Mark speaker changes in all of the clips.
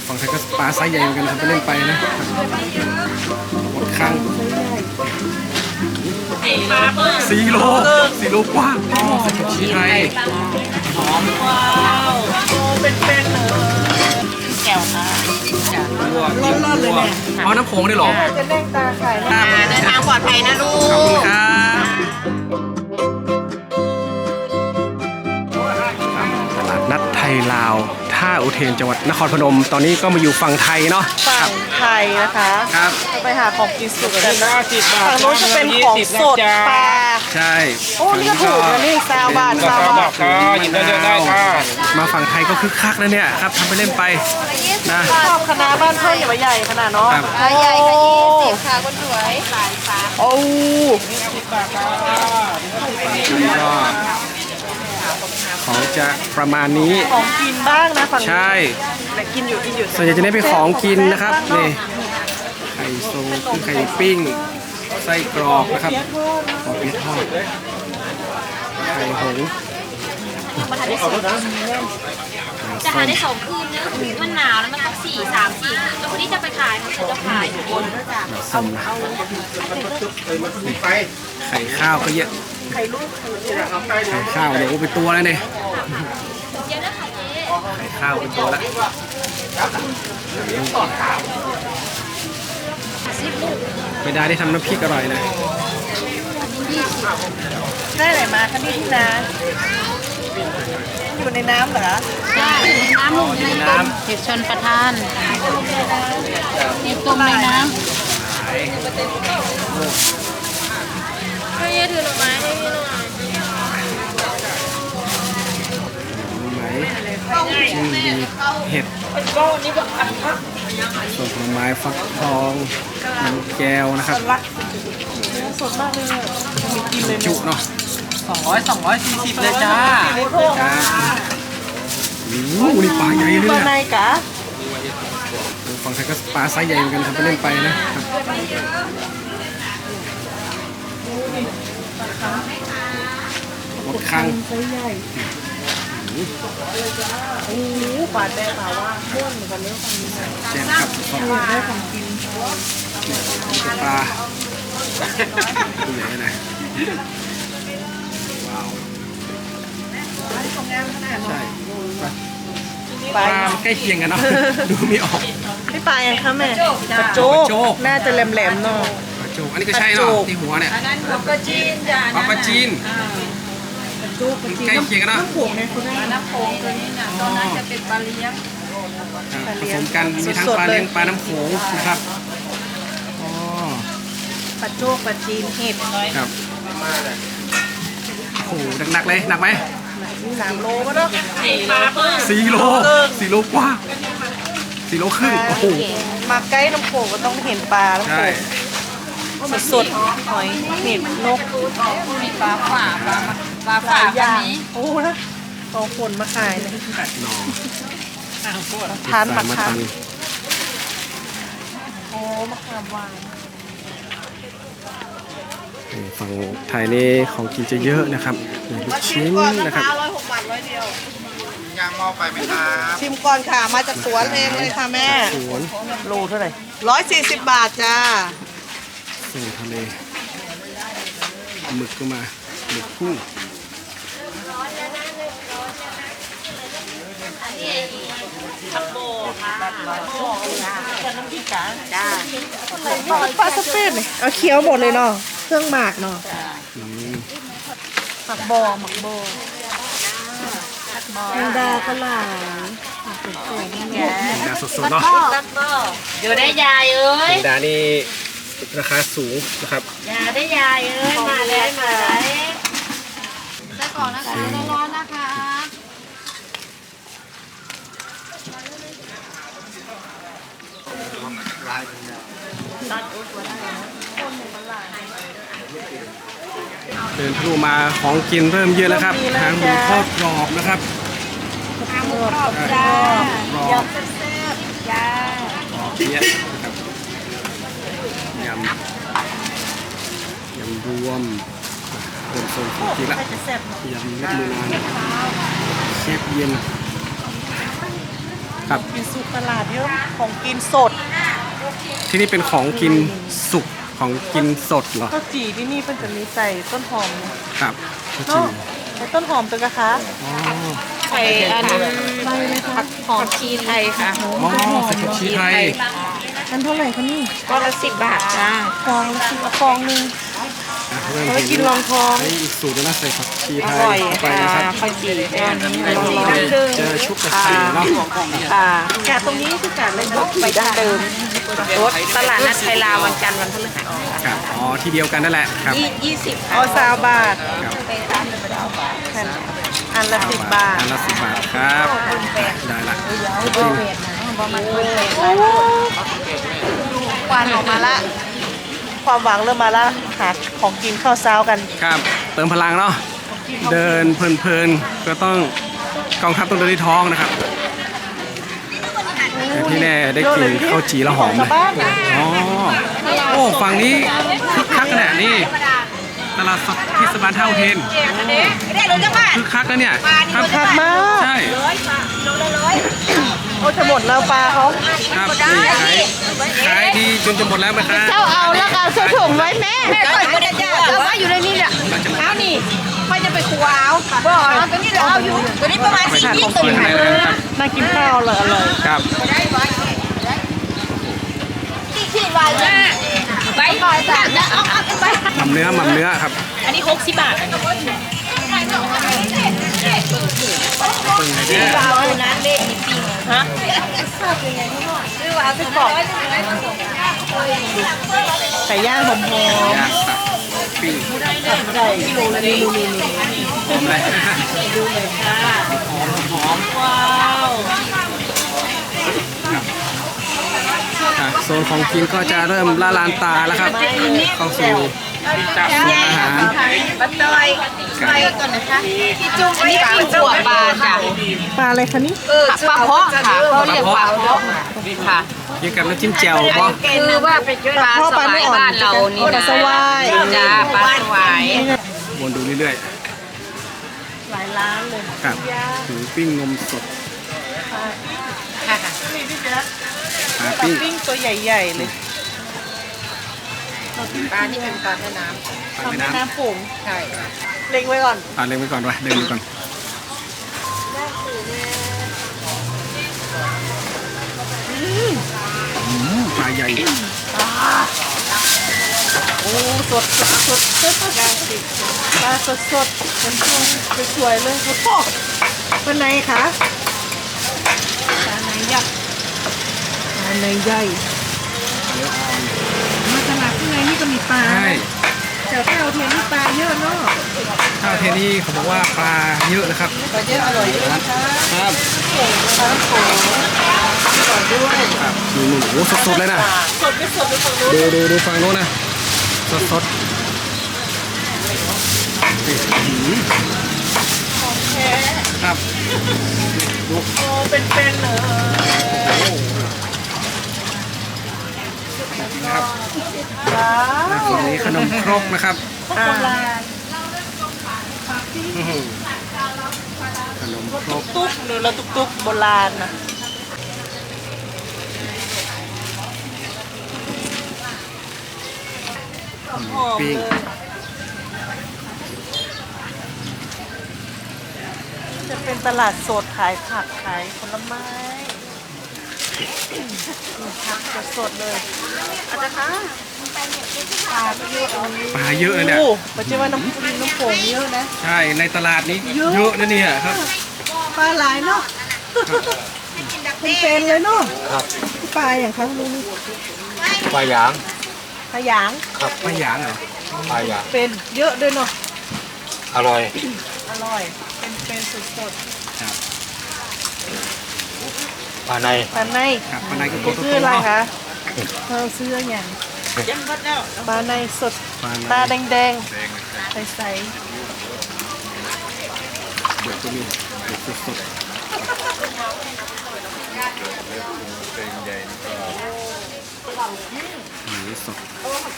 Speaker 1: ฝั่งไทยก็ปลาไซส์ใหญ่เหมือนกันทำไปเล่นไปนะหมดข้าง4 โลกว่าใส่กับชีไทย
Speaker 2: หอมว้าวโอ้เป็นเลยแก้วค่ะ
Speaker 1: ร้อนๆเลยเนี่ยเอาน้ำโขงได้หรอ
Speaker 3: จะเล่งตาขายนะ
Speaker 2: เดินทางปลอดภัยนะลูก
Speaker 1: ขอบคุณครับตลาดนัดไทยลาวท่าอุเทนจังหวัดนครพนมตอนนี้ก็มาอยู่ฝั่งไทยเนาะ
Speaker 3: ฝั่งไทยนะคะ
Speaker 1: ครับ
Speaker 3: ไปหาของกินสุกกันนะฝั่งโน้นจะเป็นของสดปลา
Speaker 1: ใช่
Speaker 3: โอ้นี่ก็ถูกนะนี่20 บาท
Speaker 4: หยิบได้เยอะได้ค่ะ
Speaker 1: มาฝั่งไทยก็คึกคักแล้วเนี่ยครับทำไปเล่นไปนะ
Speaker 3: ชอบคณะบ้านเพื่อนอย่ามาใหญ่ขนาดเนาะ
Speaker 5: ใหญ่ค่ะ20ค่ะคนสวยหลายค่ะ
Speaker 3: โอ้
Speaker 1: ก็ของจะประมาณนี้
Speaker 3: ของกินบ้างนะฝั่ง
Speaker 1: ใช่
Speaker 3: แต่กินอยู่
Speaker 1: ส่วนใหญ่จะได้เป็นของกินนะครับนี่ไข่โซคือไข่ปิ้งไส้กรอกนะครับปอเปี๊ยะทอดไข่หง
Speaker 5: จะหาได้2 คืนนะมันหนาวแล้วมันต้อง3-4 คืนแล้วคนที่จะไปขายเขาจะขายบน
Speaker 1: ส้มไข่ข้าวก็เยอะไข่ข้าวเดี๋ยวเป็นตัวแล้วเนี่ยไข่ข้าวเป็นตัวแล้วไม่ได้ทำน้ำพริกอร่อยนะ
Speaker 3: ได้ไหนมาคะนี่ที่นาอยู่ในน้ำเหรอ
Speaker 5: ใช่น้ำลงในน้ำเห็ดชนประทานมีตุ่มในน้ำให้ยืดถือหน่อไม้ให้พี่หน่อย
Speaker 1: จิ้มดีเห็ดส่วนผลไม้ฟักทองน้ำแก้วนะครับ
Speaker 3: สดมากเลยมีกินเลย
Speaker 1: จุเนาะ
Speaker 2: 240เลยจ้า
Speaker 1: โอ้โหนี่ปลาใหญ่เลย
Speaker 3: ปลาในกะ
Speaker 1: ฝั่งไทยก็ปลาไซส์ใหญ่เหมือนกันทำไปเล่นไปนะหมดข้าง
Speaker 3: โอ้โหปลาแดงปลาว่าม้วนเหมือนกันเนื้อฝั่งนี้
Speaker 1: แจ่มครับ
Speaker 3: ได้ของกิน
Speaker 1: ปลาตัวใหญ่นะว้าวใช่ปลาใกล้เคียงกันเนาะดูไม่ออก
Speaker 3: นี่ปลายังคะแม่ปลาโจ๊กน่าจะแหลมๆเนาะ
Speaker 1: ปลาโจ๊กอันนี้ก็ใช่เนาะที่หัวเนี่ย
Speaker 5: อันนั้นปลาจีนจ้ะ
Speaker 1: ปลาจีนใกล้เคียงกันเนาะ
Speaker 3: น้ำโขงเนี่ยคุณแม่
Speaker 5: น้ำโขงตัวนี้เนี่ยตอนนั้นจะเป็นปลาเลี้ยง
Speaker 1: ผสมกันมีทั้งปลาเลี้ยงปลาน้ำโขงนะครับ
Speaker 3: ปลาโจ๊กปลาจีนเห็ด
Speaker 1: ครับโอ้โหหนักเลยหนักไหม
Speaker 3: 3 โลป่ะเนาะ
Speaker 1: 4 โลกว่า4 โลครึ่งโอ้โห
Speaker 3: มาใกล้น้ำโขงก็ต้องเห็นปลาแล้วสดหอยเห็ดนก
Speaker 5: มีปลาฝ่าแบบนี้
Speaker 3: โอ้นะเอาคนมาขายเลยทานมะขามโอ้มะขามหวาน
Speaker 1: ฝั่งไทยนี่ของกินจะเยอะนะครับลูกชิ้นนะครับ
Speaker 3: 106 บาท100 เดียว
Speaker 4: ย่างหม้อไปไหมครับ
Speaker 3: ชิมก่อนค่ะมาจากสวนเองเลยค่ะแม่
Speaker 1: สวน
Speaker 3: โลเท่าไหร่140 บาทจ้า
Speaker 1: ส่งทะเลหมึกก็มาหมึกกุ้ง
Speaker 5: ผักโบค่ะ
Speaker 3: น้ำพริกกะจ้าปลาสเปนเลยเอาเคี้ยวหมดเลยเนาะเครื่องหมากเนาะหมักโบแมงดาก็หลาย
Speaker 1: แมงดาสดๆเนาะ
Speaker 5: อยู่ได้ยายเอ้ย
Speaker 1: แมงดานี่ราคาสูงนะครับ
Speaker 5: อย่าได้ยายเอ้ยมาเลยได้ก่อนนะคะร้อนๆนะคะ
Speaker 1: เดินทะลุมาของกินเริ่มเยอะแล้วครับหางหมูทอดกรอบนะครับ
Speaker 5: หางหมูกรอบจ้ายำแซ่บจ้า
Speaker 1: เยอะนะครับยำรวมเป็นโซนของกินละยำเล็ดมือนานเชฟเย็นครับ
Speaker 3: กินสุกตลาดเยอะของกินสด
Speaker 1: ที่นี่เป็นของกินสุกของกินสดเหรอ
Speaker 3: ข้าวจี่ที่นี่เพิ่นจะมีใส่ต้นหอมนะครับ
Speaker 1: ข้าวจี
Speaker 3: เนาะใส่ต้นหอมตัวกะคะ
Speaker 1: อ๋อ
Speaker 2: ใส่อันผักหอมชีไทยค่ะ
Speaker 1: อ๋อใส่ผักชีไทย
Speaker 3: อันเท่าไหร่คะนี่
Speaker 2: ก็ละ10 บาทจ้า
Speaker 3: ฟองละสิบฟองหนึง
Speaker 1: อ่ะเริ่ม
Speaker 3: เอาไว้กินรองท้อง
Speaker 1: ไอ้อีกสูตรหนึงนะใส่ผักชี
Speaker 2: อ
Speaker 1: ไทย
Speaker 2: ร่อย
Speaker 1: เข้าไป
Speaker 2: ค่ะ
Speaker 1: นะครับ
Speaker 2: ข้าวจี่แก้วนี้
Speaker 1: เจอชุบกระสีเนาะ
Speaker 2: ค่ะ
Speaker 3: แกะตรงนี้คือกะเลยยก
Speaker 2: ไปดั้งเดิมรถตลาดนัดไทยลาววันจันทร์วันพฤหัส
Speaker 1: ครับอ๋อที่เดียวกันนั่นแหละครับ
Speaker 2: 20
Speaker 3: เอา20 บาท
Speaker 1: ครับ
Speaker 3: อันละ10 บาท
Speaker 1: อันละ10 บาทครับได้ละจริง
Speaker 3: ควันออกมาละ ความหวังเริ่มมาละหาของกินข้าวเช้ากัน
Speaker 1: ครับเติมพลังเนาะเดินเพลินๆก็ต้องกองทัพต้องเดินที่ท้องนะครับแต่ที่แน่ได้กลิ่นข้าวจีแล้วหอมเลยอ๋อโอ้ฝั่งนี้คึกคักขนาดนี้ตลาดสดเทศบาลท่าอุเทนคึกคักนะเนี่ยครับ
Speaker 3: คักมาก
Speaker 1: ใช่
Speaker 3: โอ้จะหมดแล้วปลาเขา
Speaker 1: ครับนี่ขายดีจนจะหมดแล้วไหมครับ
Speaker 3: เจ้าเอาแล้วกันใส่ถุงไว้แม่เอาไว้อยู่ในนี้เนี่ย
Speaker 2: เอานี่ค่อยจะไปครัวเอาบ่เอาตัวนี้เดี๋ยวเอาอยู่ตัวนี้ประมาณ
Speaker 1: ไปทานของ
Speaker 2: 20
Speaker 1: กินข้างในแล้วกันครับ
Speaker 3: น่ากินข้าวเลยอร่อย
Speaker 1: ครับ
Speaker 2: ที่วายไปก่อนจ้ะเอาไป
Speaker 1: หม่ำเนื้อครับ
Speaker 5: อันนี้60 บาท
Speaker 2: เอาน้ำเด็ดนี่ปิ้งฮะซื้อว่าซื้อบอก
Speaker 3: ไก่ย่างหอม
Speaker 1: ย่างตับปิ้ง
Speaker 3: ๆไก่กิโลละนี่
Speaker 1: หอมเลย
Speaker 2: ว้าว
Speaker 1: อ่ะโซนของกินก็จะเริ่มละลานตาแล้วครับ เข้าสู่โซนอาหาร
Speaker 2: บัตเตอยไปก่อนนะคะพี่จุ้งอันนี้ปิ้งขั่วปลาจ้ะ
Speaker 3: ปลาอะไรคะนี่
Speaker 2: ปลาเพาะค่ะเขาเรียกปลาเพาะค่ะ
Speaker 1: กินกับน้ำจิ้มแจ่วป่ะ
Speaker 2: คือว่าเป็นปลาสวายบ้านเรานี่
Speaker 3: ปลา
Speaker 2: นะ
Speaker 3: สวาย
Speaker 2: จ้าปลาสวาย
Speaker 1: วนดูเรื่อย
Speaker 3: หลายร้านเลย
Speaker 1: ๆครับหมูปิ้งนมสด
Speaker 2: ค่ะ
Speaker 3: นี่พี่แจ๊ค
Speaker 1: ปลา
Speaker 3: ปลา
Speaker 1: ปิ้ง
Speaker 3: ปิ้งตัวใหญ่ๆเลย
Speaker 2: ปลาที่เป็นปลาแม่น้
Speaker 1: ปลา
Speaker 3: ทำ
Speaker 1: แม่
Speaker 3: ใน
Speaker 1: น้ำ
Speaker 3: น้ำผง
Speaker 2: ำใช่
Speaker 3: เล็งไว้ก่อน
Speaker 1: เล็งไว้ก่อนวะเดินดูก่อนปลาใหญ่
Speaker 3: โอ้สดปลาสดมันสวยๆเลยโอ้โหเป็นไงคะปลาไหนยักษ์ปลาไหนใหญ่มาตลาดข้างในนี่ก็มีปลา
Speaker 1: ใช่
Speaker 3: แถวเท่าเทียนนี่ปลาเยอะเนาะ
Speaker 1: ข้าวเทนี่เขาบอกว่าปลาเยอะนะครับ
Speaker 3: ปลาเยอะอร่อยด้วยนะคะ
Speaker 1: ครับ
Speaker 3: ปลาโขงอร่อยด้วย
Speaker 1: ครับนี่โอ้โหสดๆเลยนะ
Speaker 3: สดไม่สดไปฝั่งนู้น
Speaker 1: ดูฝั่งโน้นนะสดนี่ครับ
Speaker 3: โอ้เป็นๆเลย
Speaker 1: ครับ
Speaker 3: ว้าว
Speaker 1: ฝั่งนี้ขนมครกนะครับ
Speaker 3: อ่า
Speaker 1: อื้อหือขนมครก
Speaker 3: ตุ๊กหรือเราตุ๊กโบราณนะหอม
Speaker 1: ปิ้ง
Speaker 3: เลยจะเป็นตลาดสดขายผักขายผลไม้ผักสดๆเลยอาจารย์คะปลาก็เยอะ
Speaker 1: ปลาเยอะเลยเนี่ย
Speaker 3: โอ้ปัจจุบันน้ำโขงเยอะนะ
Speaker 1: ใช่ในตลาดนี้เยอะนะเนี่ยครับ
Speaker 3: ปลาหลายเนาะเป็นเลยเนาะปลาอย่างครับลุง
Speaker 4: ปลาหยาง
Speaker 3: ปลาหยาง
Speaker 1: ปลาหยางเหรอ
Speaker 4: ปลาหยาง
Speaker 3: เป็นเยอะด้วยเนาะ
Speaker 4: อร่อย
Speaker 3: อร่อยเป็นสด
Speaker 1: ครับ
Speaker 4: ปลาใน
Speaker 3: ๆปลาใน
Speaker 1: ครับปลาในก็ตัวโต
Speaker 3: ซื้อ
Speaker 1: ๆ
Speaker 3: อะไร
Speaker 1: เนาะ
Speaker 3: คะเราซื้ออย่างปลาในสด
Speaker 1: ปลาใน
Speaker 3: ตาแดงๆใส
Speaker 1: เดี๋ยวตัวนี้เดี๋ยวสดหมูสด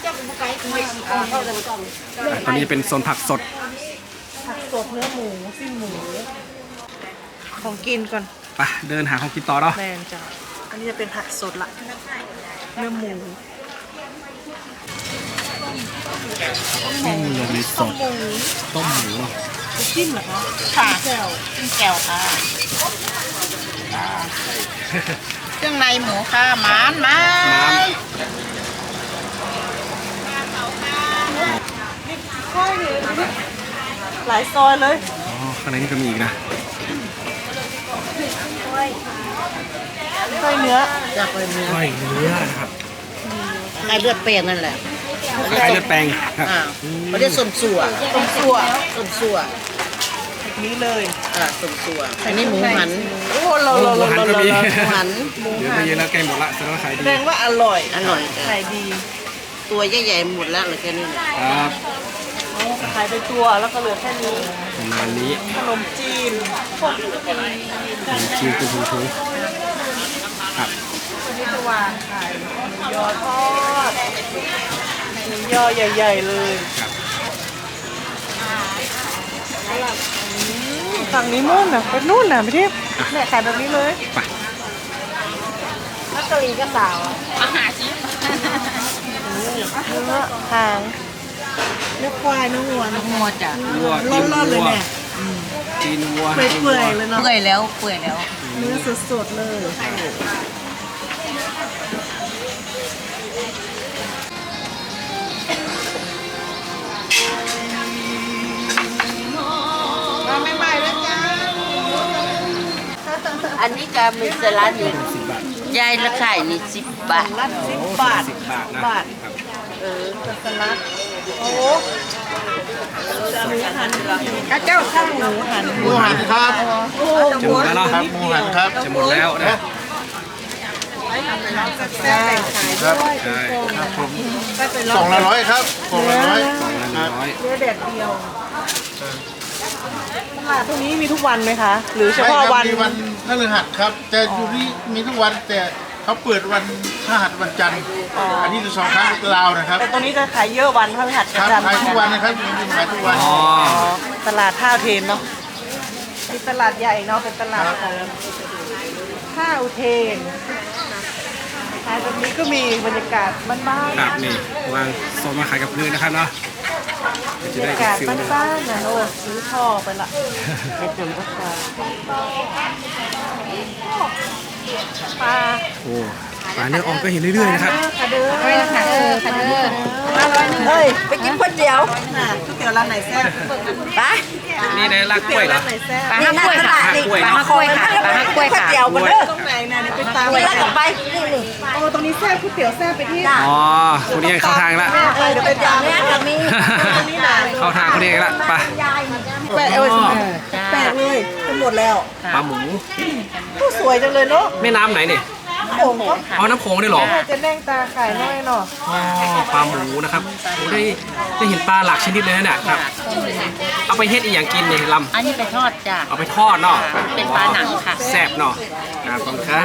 Speaker 1: ตอนนี้เป็นโซนผักสด
Speaker 3: ๆผักสดเนื้อหมูสิ้นหมู ของกินก่อน
Speaker 1: ไปเดินหาของกินต่อเนาะ
Speaker 3: แมนจ้ะอันนี้จะเป็นผักสดละเนื้อหมู
Speaker 1: มีสดต้มหมูเนาะ
Speaker 3: จิ้มเหรอคะ
Speaker 2: ค่ะแก้วค่ะเครื่องในหมูค่ะหมานมา
Speaker 3: ค่อยเลยหลายซอยเลย
Speaker 1: อ๋อข้างในนี่ก็มีอีกนะ
Speaker 3: ค่อยเนื้อ
Speaker 2: จะไปเนื้อ
Speaker 1: ก้อยเนื้อนะครับ
Speaker 2: ไอเลือดเป็นนั่นแหละ
Speaker 1: คล้ายเลือดแปลงครับ
Speaker 2: เขาเรียกส้มสัว
Speaker 3: ต้มสั่ว
Speaker 2: ส้มสัว
Speaker 3: แบบนี้เลย
Speaker 2: ส้มสัวอันนี้หมูหัน
Speaker 3: โอ้โห
Speaker 1: หมูหันก็มี
Speaker 2: หมูหัน
Speaker 1: เดี๋ยวไปเยอะแล้วใกล้หมดละแสดงว่าขาย
Speaker 3: แส
Speaker 1: ดี
Speaker 3: ดงว่าอร่อย
Speaker 2: อร่อย
Speaker 3: ขายดี
Speaker 2: ตัวใหญ่ๆหมดแล้วเหลือแค่นี้
Speaker 1: ครับ
Speaker 3: ขายเป็นตัวแล้วก็เหลือแค่นี้
Speaker 1: ประมาณนี้
Speaker 3: ขนมจีนพวกนี้ก็มี
Speaker 1: ชิมเป็นถุงๆครับ
Speaker 3: วันนี้จะวางขายหมูยอทอดหมูยอใหญ่ๆเลย
Speaker 1: ครับ
Speaker 3: ฝั่งนี้นู่นน่ะไปนู่นน่ะพี่ทิพย์แม่ขายแบบนี้เลย
Speaker 1: ไป
Speaker 3: มักกะลีก็สาว
Speaker 5: อาหารชิ้น
Speaker 3: เนื้อหางเนื้อควายเนื้อวัวเนื้อ
Speaker 2: งัวจ้ะ
Speaker 1: วัว
Speaker 3: ร้อนๆเลยเนี่ย
Speaker 1: ตีนวัว
Speaker 3: เปื่อยๆเลยเนาะ
Speaker 2: เปื่อยแล้วเปื่อยแล้ว
Speaker 3: เนื้อสดๆเลยมาใหม่ๆแล้วจ้า
Speaker 2: อันนี้ก็มีสลัดนี่
Speaker 1: 10 บาท
Speaker 2: ยายละขายนี่10 บาท
Speaker 3: ลัด10 บาท
Speaker 1: 10 บาทนะ
Speaker 3: บาท
Speaker 1: ครับ
Speaker 3: สลัดโอ้จะหมูหันกระเจ้าข้างหมูหัน
Speaker 4: หมูหันครับ
Speaker 3: โอ้
Speaker 1: จะหมดแล้วเนาะ
Speaker 4: ครับหมูหันครับ
Speaker 1: จะหมดแล้วนะ
Speaker 3: แซ่บแบ่งขายด้วย
Speaker 1: ใช่
Speaker 3: ไปเป็น
Speaker 4: สองละร้อยครับสองละร้อย
Speaker 1: กล่องละ100
Speaker 3: เนื้อแดดเดียวตลาดตรงนี้มีทุกวันไหมคะ หรือเฉพาะวัน
Speaker 4: มีวันพฤหัสครับแต่อยู่นี่มีทุกวันแต่เขาเปิดวันพฤหัสวันจันทร์อันนี้จะ2 ครั้งลาวนะครับ
Speaker 3: แต่ตรงนี้จะขายเยอะวันพฤหัส
Speaker 4: ครับ
Speaker 3: จันทร์
Speaker 4: ขายทุกวันนะครับมีขายทุกวัน
Speaker 1: อ๋อ
Speaker 3: อ๋อตลาดท่าเทนเนาะมีตลาดใหญ่เนาะเป็นตลาดของท่าอุเทนขายแบบนี้ก็มีบรรยากาศบ้านๆ
Speaker 1: ครับนี่วางโซนมาขายกับพื้นนะครับเนาะเดี๋ยวจะ
Speaker 3: บรร
Speaker 1: ได้
Speaker 3: ยากาศ
Speaker 1: ฟิลเลย
Speaker 3: บ้านๆนะโอ้ซื้อท่อไปละเป็นจนก็ปลาปลา
Speaker 1: โอ้ปลาเนื้ออ่อนก็เห็นเรื่อยๆนะครับ
Speaker 3: ค่ะเด้อ
Speaker 5: ค่ะค่ะเด้อ
Speaker 3: เฮ้ยไปกินก๋วยเตี๋ยวน่ะก๋วยเตี๋ยวร้านไหนแซ่บไป
Speaker 1: นี่ในลากกล้วยเหรอ
Speaker 3: ร้านไหนแซ่บ
Speaker 5: ปลาฮักกล้วยค่ะ
Speaker 1: ปลาฮักกล้วย
Speaker 5: ปลาฮักกล้วยค่ะปลาฮักกล้วยค่ะ
Speaker 3: เตี๋ยวมาเด้อตรงไหนน่ะเดี๋ยวไปตามไปแล้วกลับไปนี่โอ้ตรงนี้แซ่บก๋วยเตี๋ยวแซ่บไปที่
Speaker 1: อ๋อคุณนี่เข้าทางละ
Speaker 3: เดี๋ยวไปตามเนี่ยกับมีตรงนี้น่ะ
Speaker 1: เข้าทางคุณนี่ละไป
Speaker 3: แปะแปะเลยจะหมดแล้ว
Speaker 1: ปลาหมู
Speaker 3: ผู้สวยจังเลยเนาะ
Speaker 1: แม่น้ำไหนเนี่ย
Speaker 3: โอ้โห
Speaker 1: อ๋อน้ำโขงได้เหรอ
Speaker 3: จะแดงตาขายน้อยเนาะ
Speaker 1: อ๋อปลาหมูนะครับโอ้ได้เห็นปลาหลากชนิดเลยนะเนี่ยครับเอาไปเฮ็ดอีกอย่างกินเนี่ยล
Speaker 2: อันนี้ไปทอดจ้ะ
Speaker 1: ำเอาไปทอดเนาะ
Speaker 2: เป็นปลาหนังค่ะ
Speaker 1: แซ่บเนาะครับขอบคุณครับ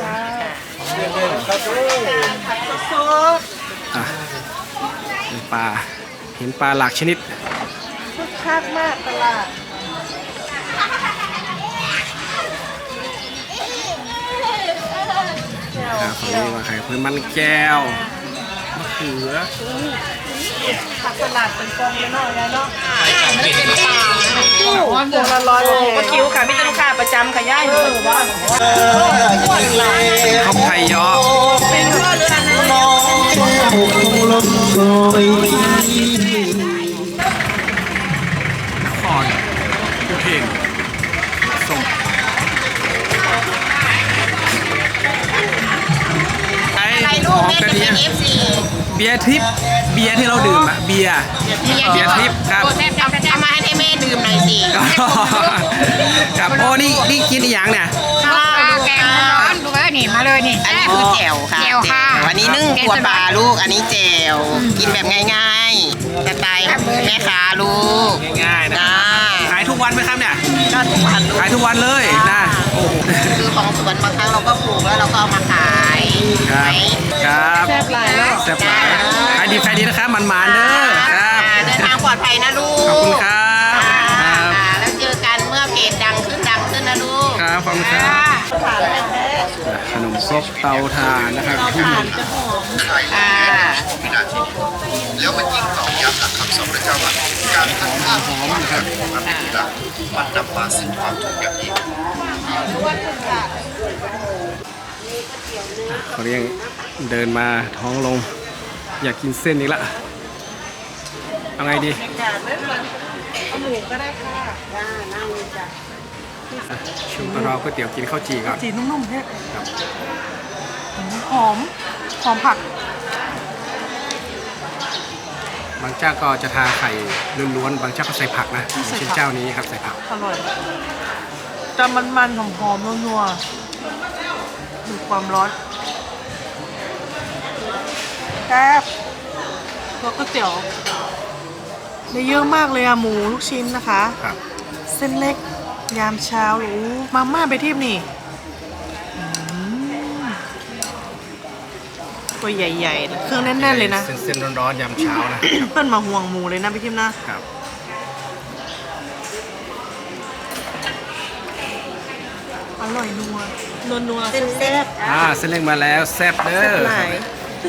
Speaker 3: สด
Speaker 1: อ่ะเป็นปลาเห็นปลาหลากชนิด
Speaker 3: คึกคักมากตลาด
Speaker 1: ครับฝั่งนี้ว่าไข่เพิ่มมันแก้วมะเขือ
Speaker 3: ผักตลาดเป็นกองเลยเนาะยายเนาะพวงละร้อยก็คิวค่ะมีแต่ลูกค้าประจำค่ะย่ายอยู่บ้าน
Speaker 1: ข้าวไข่ยอ
Speaker 3: เป็นเพื่อนกันนะ
Speaker 1: คอนอุเทนส่งไอ้ของกะทิเบียร์ทริปเบียร์ที่เราดื่มอะเบียร์ทริปครับ
Speaker 2: เอามาให้แม่ดื่มหน่อยสิ
Speaker 1: ครับโอ้นี่กินอีหยังเนี่ย
Speaker 5: แกงร้อนดูว่านี่มาเลยนี่
Speaker 2: อันนี้คือแจ่วค่ะ
Speaker 5: แจ่วค่ะ
Speaker 2: อันนี้นึ่งตัวปลาลูก อันนี้แจ่วกินแบบง่ายๆสไตล์แม่ค้าลูก
Speaker 1: ง่ายๆนะ
Speaker 2: จ้า
Speaker 1: ขายทุกวันไหมครับเนี่ย
Speaker 2: ก็ทุกวันลูก
Speaker 1: ขายทุกวันเลยนะโอ้โห
Speaker 2: คือของสวนบางครั้งเราก็ปลูกแล้วเราก็เอามาขาย
Speaker 1: ครับครับ
Speaker 3: แซ่บหลายเนาะ
Speaker 1: แซ่บหลายขายดีนะครับมันๆเด้อครับ
Speaker 2: เดินทางปลอดภัยนะลูก
Speaker 1: ขอบคุณครับครับ
Speaker 2: แล้วเจอกันเมื่อเพจดังขึ้นนะลูก
Speaker 1: ครับขอบอบคุณครับ
Speaker 3: ถ่านแท้
Speaker 1: ขนมครกเตาถ่านนะครับ
Speaker 3: ถ่านจะหอม
Speaker 6: ไข่วินาทีแล้วมันยิ่งตอกย้ำหลักคำสอนพระเจ้าว่าการทำข้าวของมันเป็นที่หลักมันนำมาซึ่งความทุกข์อย่างยิ่ง
Speaker 1: เขาเรียกเดินมาท้องลง อยากกินเส้นนี้ละเอาไงดี
Speaker 3: เอาหมูก็ได้ค่ะนั่งจ้ะ
Speaker 1: ชิมรอก๋วยเตี๋ยวกินข้าวจี่ก่อน
Speaker 3: จีนุ่มๆแท้หอมหอมผัก
Speaker 1: บางเจ้าก็จะทาไข่ล้วนๆบางเจ้าก็ใส่ผักนะเช่นเจ้านี้ครับใส่ผัก
Speaker 3: อร่อยจะมันๆหอมๆนัวๆมีความร้อนแซ่บตัวก๋วยเตี๋ยวได้เยอะมากเลยอะหมูลูกชิ้นนะคะ
Speaker 1: ครับ
Speaker 3: เส้นเล็กยามเช้าหรือมาม่าไปทิพย์นี่ตัวใหญ่ๆนะเครื่องแน่นๆเลยนะ
Speaker 1: เส้นร้อนๆยามเช้านะ
Speaker 3: เพื่อนมาห่วงหมูเลยนะพี่ทิพย์นะครับ อร่อยนัวเส้นแซ่บ
Speaker 1: เส้นเล็กมาแล้วแซ่บเด้อ
Speaker 3: หลาย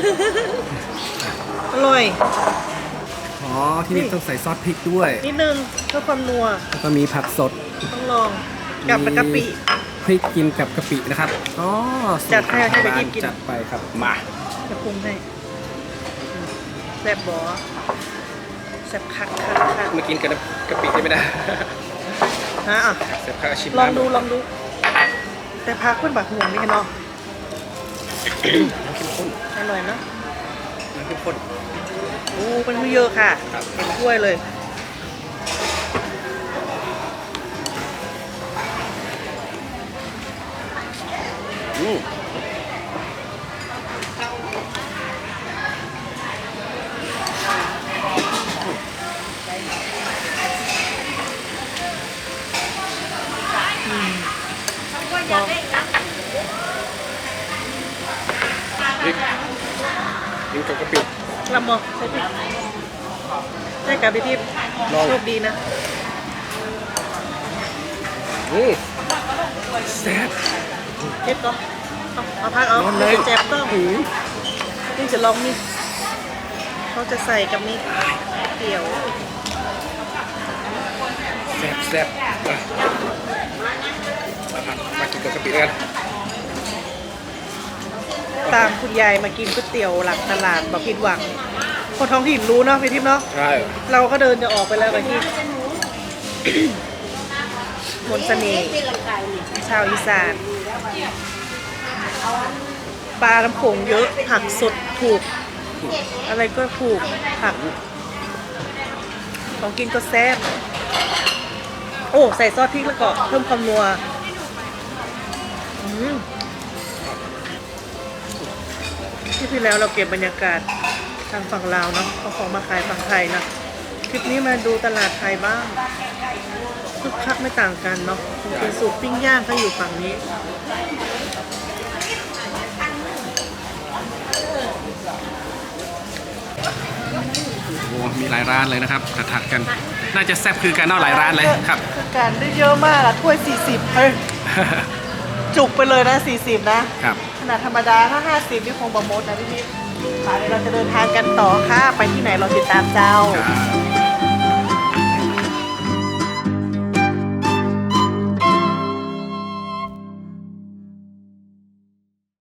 Speaker 3: อร่อย
Speaker 1: อ๋อที่นี่ต้องใส่ซอสพริกด้วย
Speaker 3: นิดนึงเพื่อความนัว
Speaker 1: แล้วก็มีผักสด
Speaker 3: ต้องลองกับกะปิ
Speaker 1: พริกกินกับกะปินะครับอ๋อสูตร
Speaker 3: จัดให้ไป
Speaker 1: ร้าน
Speaker 3: กิน
Speaker 1: จัดไปครับมา
Speaker 3: จะปรุงให้แซ่บบอแซ่บคัก
Speaker 1: มากินกับกะปิได้ไหมนะ
Speaker 3: ฮะอ่ะ
Speaker 1: เสร็จพักชิม
Speaker 3: ลองดูแต่พักเพื่อนแบบห่วงนี่กันเนาะ
Speaker 1: น้ำเข้มข้น
Speaker 3: อร่อยเนาะ
Speaker 1: น้ำเข้มข้น
Speaker 3: โอ้เป็นผู้เยอะค่ะ
Speaker 1: ครับ
Speaker 3: เป็นถ้วยเลย
Speaker 1: กินกับกะปิ
Speaker 3: ลำมอใช่พี่ได้กับพี่ทิพย์
Speaker 1: ลอง
Speaker 3: โชคดีนะ
Speaker 1: แซ่บ
Speaker 3: เจ็บก็เอาพักเอา
Speaker 1: ร้อนเลย
Speaker 3: เจ็บก็นี่จะลองนี่เขาจะใส่กับนี่เกี่ยว
Speaker 1: แซ่บมากินกับกะปิกัน
Speaker 3: ตามคุณยายมากินก๋วยเตี๋ยวหลังตลาดบอกผิดหวังคนท้องถิ่นรู้เนาะพี่ทิพย์เนาะ
Speaker 1: ใช่
Speaker 3: เราก็เดินจะออกไปแล้วกับที่ มนต์เสน่ห์ชาวอีสานปลาน้ำโขงเยอะผักสดถูก อะไรก็ถูกผักของกินก็แซ่บโอ้ใส่ซอสพริกแล้วก็เพิ่มความนัวที่แล้วเราเก็บบรรยากาศทางฝั่งลาวเนาะเอาของมาขายฝั่งไทยนะคลิปนี้มาดูตลาดไทยบ้างคึกคักไม่ต่างกันเนาะเป็นสูตรปิ้งย่างก็อยู่ฝั่งนี้
Speaker 1: โอ้มีหลายร้านเลยนะครับถัดๆกัน น่าจะแซ่บคือกันเนาะหลายร้านเลยครับ
Speaker 3: คือการได้เยอะมากอะถ้วย 40เฮ้ยจุกไปเลยนะ 40 นะ
Speaker 1: ครับ
Speaker 3: ขนาดธรรมดาถ้า 50 นี่คงบะมดนะพี่ค่ะเดี๋ยวเราจะเดินทางกันต่อค่ะ ไปที่ไหนเราติดตามเจ้า
Speaker 1: ครับ